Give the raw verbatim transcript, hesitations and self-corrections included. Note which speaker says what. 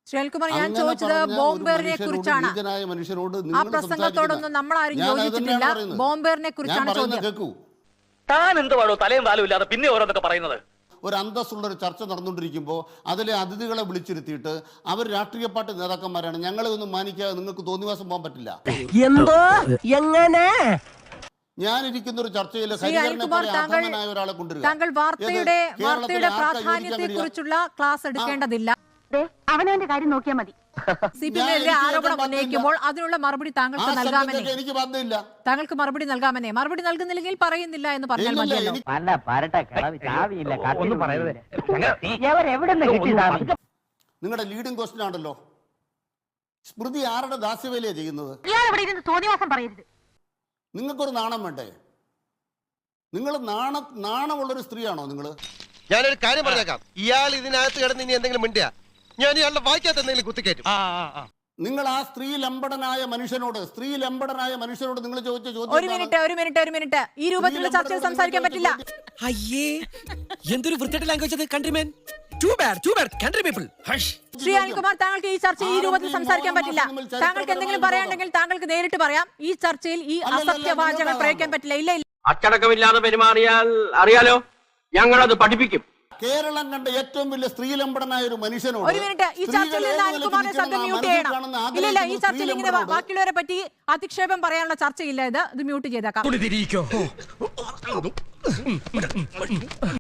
Speaker 1: ശ്രീകുമാർ, ഞാൻ ചോദിച്ചത് ബോംബേറിനെ കുറിച്ചാണ്. ആ പ്രസംഗത്തോടൊന്നും നമ്മൾ ആരും യോജിച്ചിട്ടില്ല. ബോംബേറിനെ കുറിച്ചാണ് ചോദ്യം.
Speaker 2: താൻ എന്തുവാണോ തലയും താലും ഇല്ലാതെ പിന്നെ ഓരോന്നൊക്കെ പറയുന്നത്?
Speaker 3: ഒരു അന്തസ്സുള്ള ഒരു ചർച്ച നടന്നുകൊണ്ടിരിക്കുമ്പോൾ അതിലെ അതിഥികളെ വിളിച്ചിരുത്തിയിട്ട് അവർ രാഷ്ട്രീയ പാർട്ടി നേതാക്കന്മാരാണ്, ഞങ്ങളെ ഒന്നും മാനിക്കാതെ നിങ്ങൾക്ക് തോന്നിവാസം പോകാൻ പറ്റില്ല.
Speaker 4: എന്തോ എങ്ങനെ
Speaker 3: ഞാനിരിക്കുന്ന ഒരു ചർച്ചയിൽ ഒരാളെ കൊണ്ടുവരിക.
Speaker 1: താങ്കൾ വാർത്തയുടെ വാർത്തയുടെ പ്രാധാന്യത്തെ കുറിച്ചുള്ള ക്ലാസ് എടുക്കേണ്ടതില്ല.
Speaker 5: അവനവന്റെ കാര്യം നോക്കിയാൽ മതി.
Speaker 1: സി പി എമ്മിനെതിരെ ആരോപണം ഉന്നയിക്കുമ്പോൾ അതിനുള്ള മറുപടി താങ്കൾക്ക് നൽകാമെന്നേ.
Speaker 3: എനിക്ക് ബന്ധമില്ല.
Speaker 1: താങ്കൾക്ക് മറുപടി നൽകാമെന്നേ. മറുപടി നൽകുന്നില്ലെങ്കിൽ പറയുന്നില്ല എന്ന് പറഞ്ഞാൽ മതിയല്ലോ.
Speaker 3: നിങ്ങളുടെ ലീഡിംഗ് ക്വസ്റ്റ്യൻ ആണല്ലോ, സ്മൃതി ആരുടെ ദാസ്യവേലയാണ് ചെയ്യുന്നത്? നിങ്ങൾക്കൊരു നാണം വേണ്ടേ? നിങ്ങൾ നാണ നാണമുള്ളൊരു സ്ത്രീയാണോ നിങ്ങൾ?
Speaker 6: ഞാനൊരു കാര്യം പറഞ്ഞേക്കാം, ഇയാൾ ഇതിനകത്ത് കിടന്ന് ഇനി എന്തെങ്കിലും മിണ്ടിയാ ഞാൻ ഇയാളുടെ വായിക്കാത്ത എന്തെങ്കിലും കുത്തിക്കയറ്റും.
Speaker 3: നിങ്ങൾ ആ സ്ത്രീ ലംബടനായ മനുഷ്യനോട് സ്ത്രീ ലംബടനായ മനുഷ്യനോട് നിങ്ങൾ ചോദിച്ച ചോദ്യം.
Speaker 1: ഒരു മിനിറ്റ് ഒരു മിനിറ്റ് ഒരു മിനിറ്റ് ഈ രൂപത്തിലുള്ള ചർച്ചയിൽ സംസാരിക്കാൻ പറ്റില്ല.
Speaker 4: അയ്യേ എന്തൊരു വൃത്തിയുടെ ലാംഗ്വേജ് അത്. Countryman too bad too bad country people.
Speaker 1: Shri Anilkumar, താങ്കൾക്ക് ഈ ചർച്ചയിൽ ഈ രൂപത്തിൽ സംസാരിക്കാൻ പറ്റില്ല. താങ്കൾക്ക് എന്തെങ്കിലും പറയാനുണ്ടെങ്കിൽ താങ്കൾക്ക് നേരിട്ട് പറയാം. ഈ ചർച്ചയിൽ ഈ അസത്യവാചകൾ പ്രയോഗിക്കാൻ പറ്റില്ല. ഇല്ല ഇല്ല,
Speaker 2: അച്ചടക്കമില്ലാതെ പെരുമാറിയാൽ അറിയാലോ, ഞങ്ങളത് പഠിപ്പിക്കും.
Speaker 3: കേരളം കണ്ട ഏറ്റവും വലിയ സ്ത്രീലംബടനായ ഒരു മനുഷ്യനോട്
Speaker 1: ഒരു മിനിറ്റ് ഈ ചർച്ചയിൽ നിന്ന് അനിൽകുമാറിനെ ശബ്ദം മ്യൂട്ട് ചെയ്യണം. ഇല്ല ഇല്ല, ഈ ചർച്ചയിൽ ഇങ്ങനെ ബാക്കിയുള്ളവരെ പറ്റി അധിക്ഷേപം പറയാനുള്ള ചർച്ചയില്ല. ഇത് ഇത് മ്യൂട്ട് ചെയ്തേക്കാം.